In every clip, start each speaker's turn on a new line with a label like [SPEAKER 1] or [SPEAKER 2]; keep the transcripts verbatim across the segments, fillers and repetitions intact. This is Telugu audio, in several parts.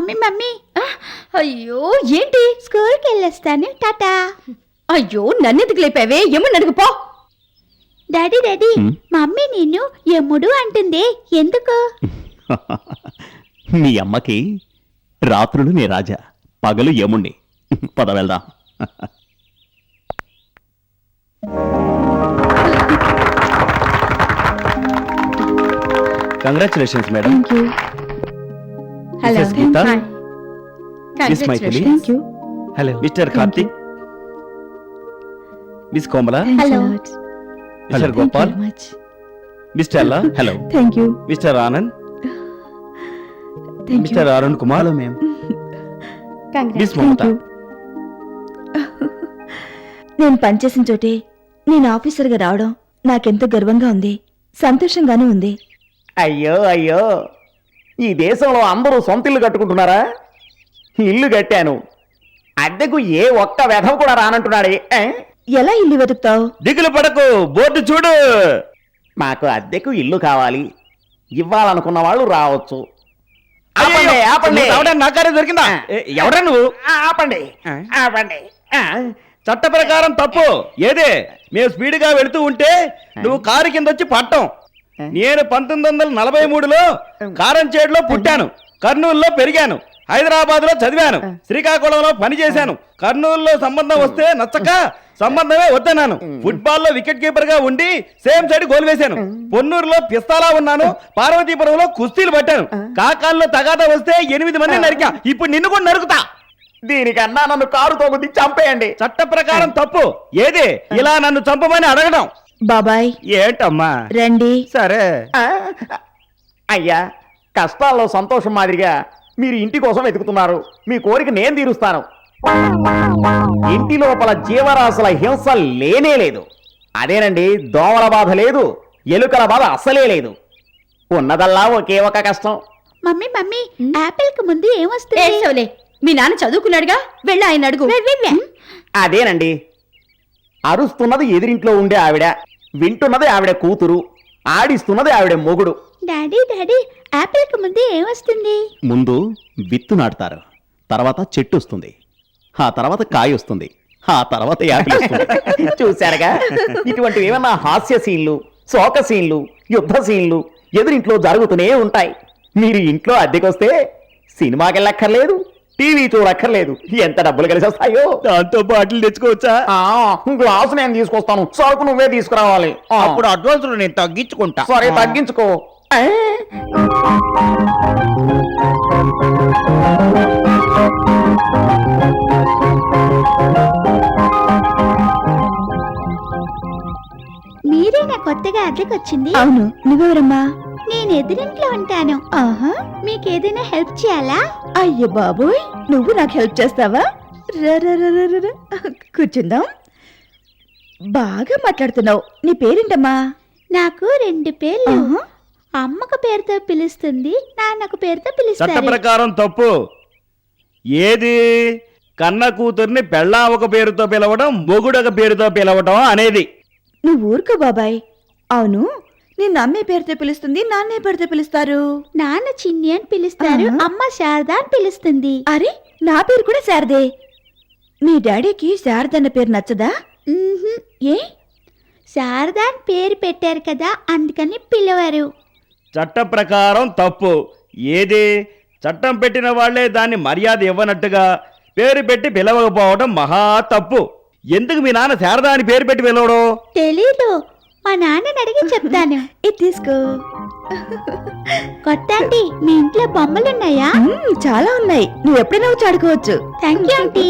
[SPEAKER 1] మమ్మీ మమ్మీ
[SPEAKER 2] అయ్యో ఏంటి?
[SPEAKER 1] స్కూల్కి వెళ్ళొస్తాను, టాటా.
[SPEAKER 2] అయ్యో నన్నెందుకు లేపావే? ఏమని అడుగుపో.
[SPEAKER 1] డాడీ డాడీ మమ్మీ నిన్ను యముడు అంటుంది, ఎందుకు?
[SPEAKER 3] మీ అమ్మకి రాత్రులు నీ రాజా, పగలు యముణ్ణి. పద వెళ్దాం. Congratulations madam.
[SPEAKER 2] Hello
[SPEAKER 3] miss Maithili. Hello mister Karthik, miss Komala,
[SPEAKER 1] hello
[SPEAKER 3] mister Gopal, mister Alla, hello
[SPEAKER 4] thank you.
[SPEAKER 3] Mister Anand, mister Arun Kumar, మేం మిస్ మమత.
[SPEAKER 4] నేను పనిచేసిన చోటే నేను ఆఫీసర్గా రావడం నాకెంతో గర్వంగా ఉంది, సంతోషంగానూ ఉంది.
[SPEAKER 5] అయ్యో అయ్యో, ఈ దేశంలో అందరూ సొంత ఇల్లు కట్టుకుంటున్నారా? ఇల్లు కట్టాను, అద్దెకు ఏ ఒక్క వెధవ కూడా రానంటున్నాడే.
[SPEAKER 4] ఎలా ఇల్లు వెతుకుతావు?
[SPEAKER 5] దిగులు పడకు, బోర్డు చూడు. మాకు అద్దెకు ఇల్లు కావాలి, ఇవ్వాలనుకున్న వాళ్ళు రావచ్చు. ఆపండి ఆపండి.
[SPEAKER 3] నాకారే దొరికిందా? ఎవరా నువ్వు?
[SPEAKER 5] ఆపండి ఆపండి.
[SPEAKER 3] చట్ట ప్రకారం తప్పు. ఏదే మేము స్పీడ్ గా వెళుతూ ఉంటే నువ్వు కారు కింద వచ్చి పట్టం. నేను పంతొమ్మిది వందల నలభై మూడులో కారంచేడులో పుట్టాను, కర్నూలులో పెరిగాను, హైదరాబాద్ లో చదివాను, శ్రీకాకుళంలో పనిచేశాను. కర్నూలులో సంబంధం వస్తే నచ్చక సంబంధమే వద్దన్నాను. ఫుట్బాల్ లో వికెట్ కీపర్ గా ఉండి సేమ్ సైడ్ గోల్ వేశాను. పొన్నూరులో పిస్తాలా ఉన్నాను, పార్వతీపురంలో కుస్తీలు పట్టాను. కాకాల్లో తగాదా వస్తే ఎనిమిది మంది నరికా, ఇప్పుడు నిన్ను కూడా నరుకుతా.
[SPEAKER 5] దీనికన్నా నన్ను కారు తోగుద్ది చంపేయండి.
[SPEAKER 3] చట్ట ప్రకారం తప్పు. ఏది ఇలా నన్ను చంపమని అడగడం?
[SPEAKER 4] బాబాయ్
[SPEAKER 3] ఏంటమ్మా?
[SPEAKER 4] రండి.
[SPEAKER 3] సరే
[SPEAKER 5] అయ్యా, కష్టాల్లో సంతోషం మాదిరిగా మీరు ఇంటి కోసం వెతుకుతున్నారు. మీ కోరిక నేను తీరుస్తాను. ఇంటి లోపల జీవరాశుల హింస లేనే లేదు. అదేనండి, దోమల బాధ లేదు, ఎలుకల బాధ అస్సలే లేదు. ఉన్నదల్లా ఒకే ఒక కష్టం.
[SPEAKER 1] మమ్మీ మమ్మీ యాపిల్ కి ముందు ఏమొస్తుంది?
[SPEAKER 2] ఏసోలే, మీ నాన్న చదువుకున్నాడుగా, వెళ్ళి ఆయన అడుగు.
[SPEAKER 5] అదేనండి, అరుస్తున్నది ఎదిరింట్లో ఉండే ఆవిడ, వింటున్నది ఆవిడ కూతురు, ఆడిస్తున్నది ఆవిడ మొగుడు.
[SPEAKER 1] డాడీ డాడీ యాపిల్ కి ముందు ఏమొస్తుంది?
[SPEAKER 3] ముందు విత్తు నాటుతారు, తర్వాత చెట్టు వస్తుంది, ఆ తర్వాత కాయ వస్తుంది, ఆ తర్వాత యాపిల్ వస్తుంది.
[SPEAKER 5] చూశారుగా, ఇటువంటివి ఏమన్నా హాస్య సీన్లు, శోక సీన్లు, యుద్ధ సీన్లు ఎదురింట్లో జరుగుతూనే ఉంటాయి. మీరు ఇంట్లో అద్దెకొస్తే సినిమాకెళ్ళక్కర్లేదు, టీవీ చూడక్కర్లేదు. ఎంత డబ్బులు కలిసి వస్తాయో.
[SPEAKER 3] దాంతో బాటిల్ తెచ్చుకోవచ్చా?
[SPEAKER 5] గ్లాసు నేను తీసుకొస్తాను, సరుకు నువ్వే తీసుకురావాలి.
[SPEAKER 3] అప్పుడు అడ్వాన్స్ నేను తగ్గించుకుంటా.
[SPEAKER 5] సరే తగ్గించుకో.
[SPEAKER 1] మీరేనా కొత్తగా అద్దెకొచ్చింది?
[SPEAKER 4] అవును, నువ్వెవరమ్మా?
[SPEAKER 1] నేను ఎదురింట్లో ఉంటాను.
[SPEAKER 4] ఆహా,
[SPEAKER 1] మీకేదైనా హెల్ప్ చేయాలా?
[SPEAKER 4] అయ్యో బాబోయ్, నువ్వు నాకు హెల్ప్ చేస్తావా? రా, రా, రా, రా, రా. కూర్చుందాం. బాగా మాట్లాడుతున్నావు. నీ పేరేంటమ్మా?
[SPEAKER 1] నాకు రెండు పేర్లు. అమ్మకు పేరుతో పిలుస్తుంది, నాన్నకు పేరుతో
[SPEAKER 3] చట్ట
[SPEAKER 1] పిలుస్తారు.
[SPEAKER 3] ప్రకారం తప్పు. ఏది కన్న కూతుర్ని పెళ్ళా ఒక పేరుతో పిలవడం, మొగుడొక పేరుతో పిలవడం అనేది.
[SPEAKER 4] నువ్వు ఊరుకో బాబాయ్. అవును, నిన్ను అమ్మే పేరుతో పిలుస్తుంది, నాన్నే పేరుతో పిలుస్తారు.
[SPEAKER 1] నాన్న చిన్ని అని పిలుస్తారు,
[SPEAKER 4] ఆహా.
[SPEAKER 1] అమ్మ శారద అని పిలుస్తుంది.
[SPEAKER 4] అరే, నా పేరు కూడా శారదే. మీ డాడీకి శారద అన్న పేరు నచ్చదా?
[SPEAKER 1] మ్మ్హ్మ్.
[SPEAKER 4] ఏ?
[SPEAKER 1] శారద అని పేరు పెట్టారు కదా, అందుకని పిలవరు.
[SPEAKER 3] చట్ట ప్రకారం తప్పు. ఏది చట్టం పెట్టిన వాళ్లే దాన్ని మర్యాద ఇవ్వనట్టుగా పేరు పెట్టి పిలవకపోవడం మహా తప్పు. ఎందుకు మీ నాన్న శారదా అని పేరు పెట్టి పిలవడం?
[SPEAKER 1] తెలీదు, మా నాన్నని అడిగి చెప్తాను.
[SPEAKER 4] ఇది తీసుకో.
[SPEAKER 1] కొత్త ఆంటీ, మీ ఇంట్లో బొమ్మలున్నాయా?
[SPEAKER 4] మ్మ్, చాలా ఉన్నాయి. నువ్వు ఎప్పుడైనా వచ్చి ఆడుకోవచ్చు.
[SPEAKER 1] Thank you aunty.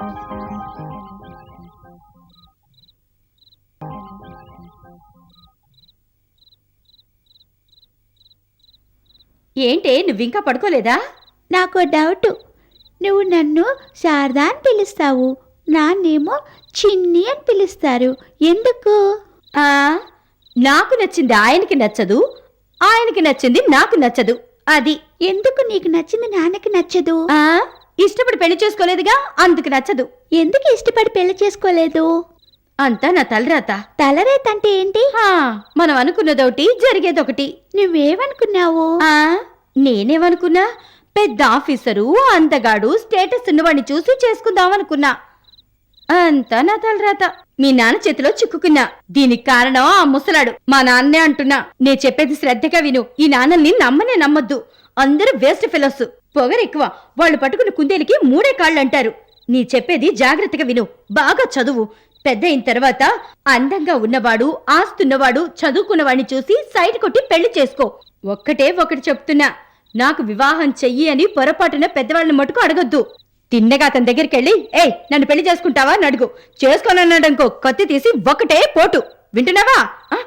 [SPEAKER 2] ఏంటే నువ్వింకా పడుకోలేదా?
[SPEAKER 1] నాకు డౌట్, నువ్వు నన్ను శారదా అని పిలుస్తావు, నాన్నేమో చిన్ని అని పిలుస్తారు, ఎందుకు?
[SPEAKER 2] ఆ నాకు నచ్చింది ఆయనకి నచ్చదు, ఆయనకి నచ్చింది నాకు నచ్చదు. అది
[SPEAKER 1] ఎందుకు నీకు నచ్చింది నాన్నకి నచ్చదు?
[SPEAKER 2] ఆ ఇష్టపడి పెళ్లి చేసుకోలేదుగా, అందుకు నచ్చదు.
[SPEAKER 1] ఎందుకు ఇష్టపడి పెళ్లి చేసుకోలేదు?
[SPEAKER 2] అంతా నా తలరాత.
[SPEAKER 1] తలరేత అంటే ఏంటి?
[SPEAKER 2] హా, మనం అనుకున్నదొకటి, జరిగేదొకటి.
[SPEAKER 1] నువ్వేమనుకున్నావు?
[SPEAKER 2] ఆ నేనేమనుకున్నా, పెద్ద ఆఫీసరు అందగాడు స్టేటస్ ఉన్నవాడిని చూసి చేసుకుందామనుకున్నా. అంతా నా తలరాత. మీ నాన్న చేతిలో చిక్కుకున్నా. దీనికి కారణం ఆ ముసలాడు. మా నాన్నే అంటున్నా. నే చెప్పేది శ్రద్ధగా విను. ఈ నాన్నల్ని నమ్మనే నమ్మొద్దు. అందరూ వేస్ట్ ఫెలోస్. పొగరెక్కువ. వాళ్ళు పట్టుకున్న కుందేలికి మూడే కాళ్ళు అంటారు. నీ చెప్పేది జాగ్రత్తగా విను. బాగా చదువు. పెద్ద అయిన తర్వాత అందంగా ఉన్నవాడు, ఆస్తున్నవాడు, చదువుకున్నవాడిని చూసి సైడ్ కొట్టి పెళ్లి చేసుకో. ఒక్కటే ఒకటి చెప్తున్నా, నాకు వివాహం చెయ్యి అని పొరపాటున పెద్దవాళ్ళని మటుకు అడగొద్దు. తిన్నగా అతని దగ్గరికి వెళ్ళి ఏయ్ నన్ను పెళ్లి చేసుకుంటావా అని అడుగు. చేసుకోనన్నాడనుకో కత్తి తీసి ఒకటే పోటు. వింటున్నావా? ఆ?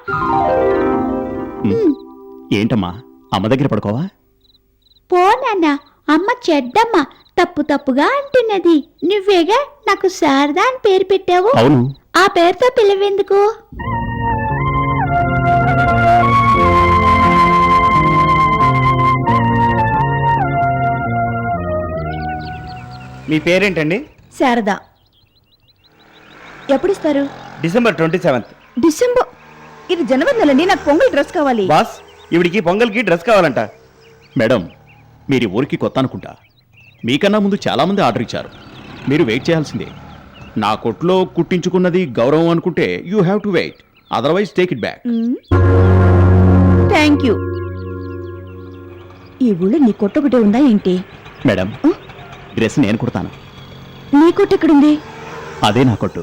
[SPEAKER 3] ఏంటమ్మా అమ్మ దగ్గర పడుకోవా?
[SPEAKER 1] పో నాన్న, అమ్మ చెడ్డమ్మ, తప్పు తప్పుగా అంటున్నది. నువ్వేగా నాకు శారదా అని పేరు పెట్టావు.
[SPEAKER 3] అవును.
[SPEAKER 1] ఆ పేరుతో పిలవెందుకు?
[SPEAKER 3] మీ పేరేంటండి?
[SPEAKER 4] శారదా. ఎప్పుడు ఇస్తారు?
[SPEAKER 3] December twenty seventh.
[SPEAKER 4] డిసెంబర్? ఇది జనవరి నెలండి. నాకు పొంగల్ డ్రెస్ కావాలి.
[SPEAKER 3] బాస్, ఇవిడికి పొంగల్కి డ్రెస్ కావాలంట.
[SPEAKER 6] మేడం, మీరు ఈ ఊరికి కొత్త అనుకుంటా. మీకన్నా ముందు చాలామంది ఆర్డర్ ఇచ్చారు. మీరు వెయిట్ చేయాల్సిందే. నా కొట్లో కుట్టించుకున్నది గౌరవం అనుకుంటే you have to wait, otherwise take it back.
[SPEAKER 4] Thank you. ఈ ఊళ్ళో నీ కొట్టొకటే ఉందా ఏంటి?
[SPEAKER 6] మేడం, డ్రెస్ నేను కుడతాను.
[SPEAKER 4] నీ కొట్టు ఎక్కడుంది?
[SPEAKER 6] అదే నా కొట్టు.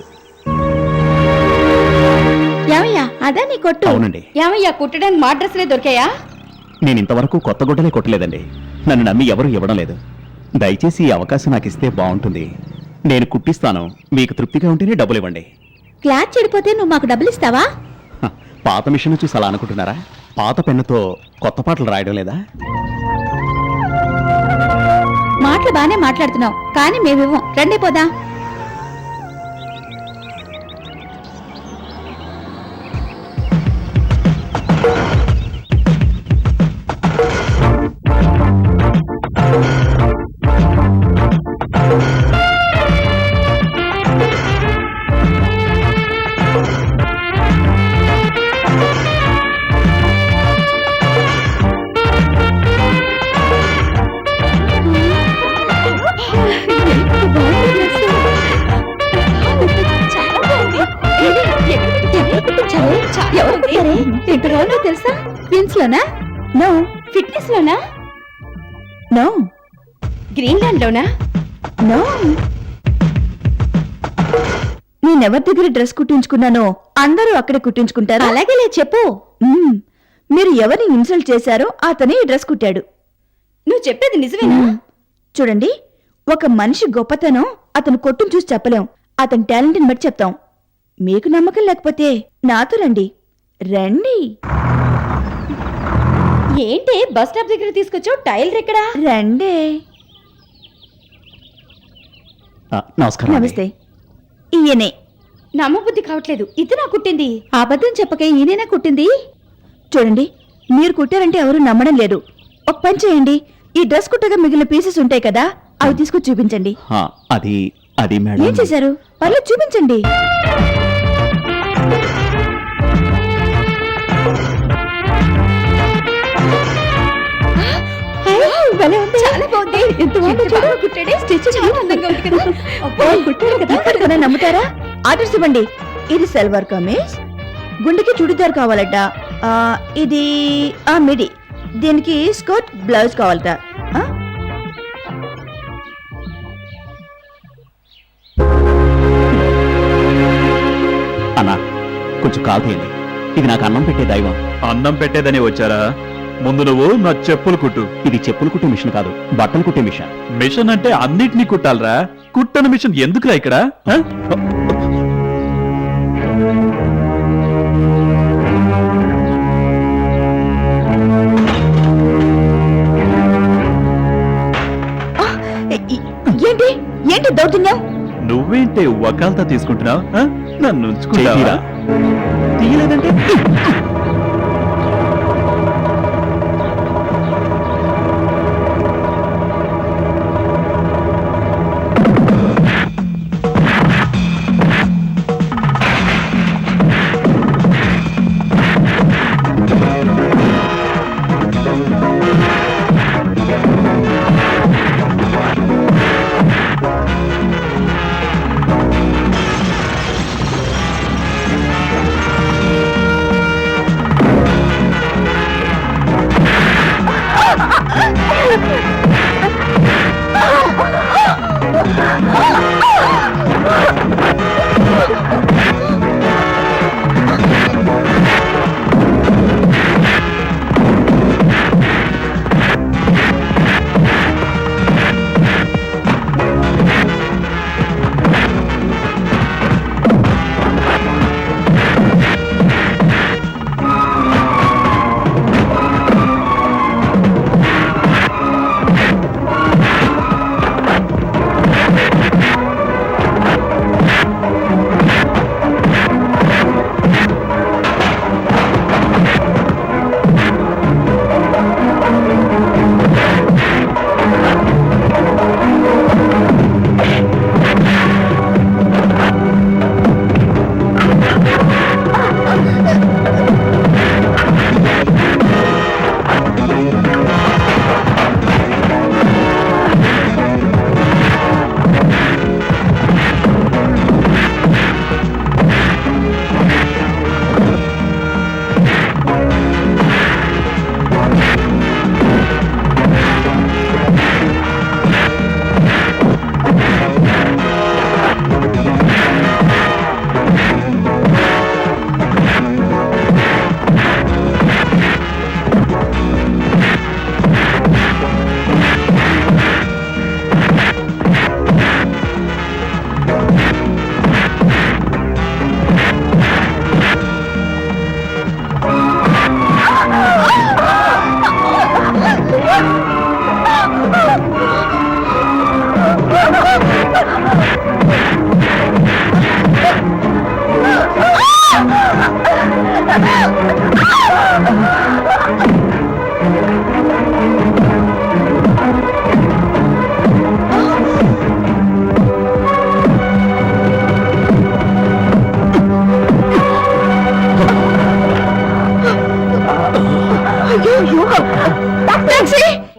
[SPEAKER 1] ఏమయ్యా, అదా నీ కొట్టు?
[SPEAKER 6] అవునండి.
[SPEAKER 2] ఏమయ్యా, కుట్టడానికి మా డ్రెస్లే దొరికాయా?
[SPEAKER 6] నేను ఇంతవరకు కొత్త గుడ్డలే కొట్టలేదండి. నన్ను నమ్మి ఎవరు ఇవ్వడం లేదు. దయచేసి ఈ అవకాశం నాకు ఇస్తే బాగుంటుంది. నేను కుట్టిస్తాను. మీకు తృప్తిగా ఉంటేనే డబ్బులు ఇవ్వండి.
[SPEAKER 1] క్లాత్ చెడిపోతే నువ్వు మాకు డబ్బులు ఇస్తావా?
[SPEAKER 6] హ, పాత మిషన్ చూసి అలా అనుకుంటున్నారా? పాత పెన్నుతో కొత్త పాటలు రాయడం లేదా?
[SPEAKER 1] మాటలు బానే మాట్లాడుతున్నావు, కానీ మేమేమో రండి పోదా. తెలుసా? క్వీన్స్ లోనా?
[SPEAKER 4] నో.
[SPEAKER 2] ఫిట్నెస్ లోనా?
[SPEAKER 4] నో.
[SPEAKER 2] గ్రీన్లాండ్ లోనా?
[SPEAKER 4] నో. నేనెవరి దగ్గర డ్రెస్ కుట్టించుకున్నానో అందరూ అక్కడే కుట్టించుకుంటారు.
[SPEAKER 1] అలాగేలే చెప్పు.
[SPEAKER 4] మ్మ్. మీరు ఎవరిని ఇన్సల్ట్ చేశారో అతనే ఈ డ్రెస్ కుట్టాడు.
[SPEAKER 2] నువ్వు చెప్పేది నిజమేనా?
[SPEAKER 4] మ్మ్. చూడండి, ఒక మనిషి గొప్పతనం అతను కొట్టును చూసి చెప్పలేం. అతని టాలెంట్ని బట్టి చెప్తాం. మీకు నమ్మకం లేకపోతే నాతో రండి. రండి.
[SPEAKER 2] ఏంటి బస్ స్టాప్ దగ్గర తీసుకొచ్చావు? టైలర్ ఎక్కడా?
[SPEAKER 4] రండి.
[SPEAKER 6] ఆ, నమస్కారం అండి.
[SPEAKER 4] నమస్తే. ఈయనే.
[SPEAKER 2] నమ్మబుద్ధి కావట్లేదు. ఇది నా కుట్టింది.
[SPEAKER 1] అబద్ధం చెప్పకే, ఈయనేనా కుట్టింది?
[SPEAKER 4] చూడండి, మీరు కుట్టారంటే ఎవరు నమ్మడం లేదు. ఒక పని చేయండి, ఈ డ్రెస్ కుట్టగా మిగిలిన పీసెస్ ఉంటాయి కదా, అవి తీసుకొచ్చి చూపించండి.
[SPEAKER 6] ఆ, అది అది
[SPEAKER 4] ఏం
[SPEAKER 6] మేడం.
[SPEAKER 4] చేశారు? పర్లేదు, చూపించండి.
[SPEAKER 1] భలే ఉంది.
[SPEAKER 2] చాలా బాగుంది.
[SPEAKER 1] ఎంత బాగుందో చూడు.
[SPEAKER 2] కుట్టాడే.
[SPEAKER 1] స్టిచ్
[SPEAKER 2] చాలా అందంగా ఉంది కదా.
[SPEAKER 4] అబ్బో, కుట్టారు కదా, ఇప్పటికైనా నమ్ముతారా? ఆర్డర్స్ ఇవ్వండి. ఇది సల్వార్ కమీజ్, గుండెకి చుడిదార్ కావాలట. ఆ, ఇది ఆ మిడి, దీనికి స్కర్ట్ బ్లౌజ్ కావాలట. ఆ?
[SPEAKER 6] అన్నా, కొంచెం కాల్ తీయండి. ఇది నాకు అన్నం పెట్టే దైవం.
[SPEAKER 7] అన్నం పెట్టేదని వచ్చారా? ముందు నువ్వు నా చెప్పులు కుట్టు.
[SPEAKER 6] ఇది చెప్పులు కుట్టే మిషన్ కాదు, బట్టలు కుట్టే మిషన్.
[SPEAKER 7] మిషన్ అంటే అన్నిటినీ కుట్టాలరా. కుట్టని మిషన్ ఎందుకురా ఇక్కడ? ఆ?
[SPEAKER 4] ఏ- ఏంటి ఏంటి దౌర్జన్యం?
[SPEAKER 7] నువ్వేంటే వకాల్తా తీసుకుంటున్నావు? ఆ? నన్ను ఉంచుకుంటావా?
[SPEAKER 6] చేతిరా.
[SPEAKER 7] తీయలేదంటే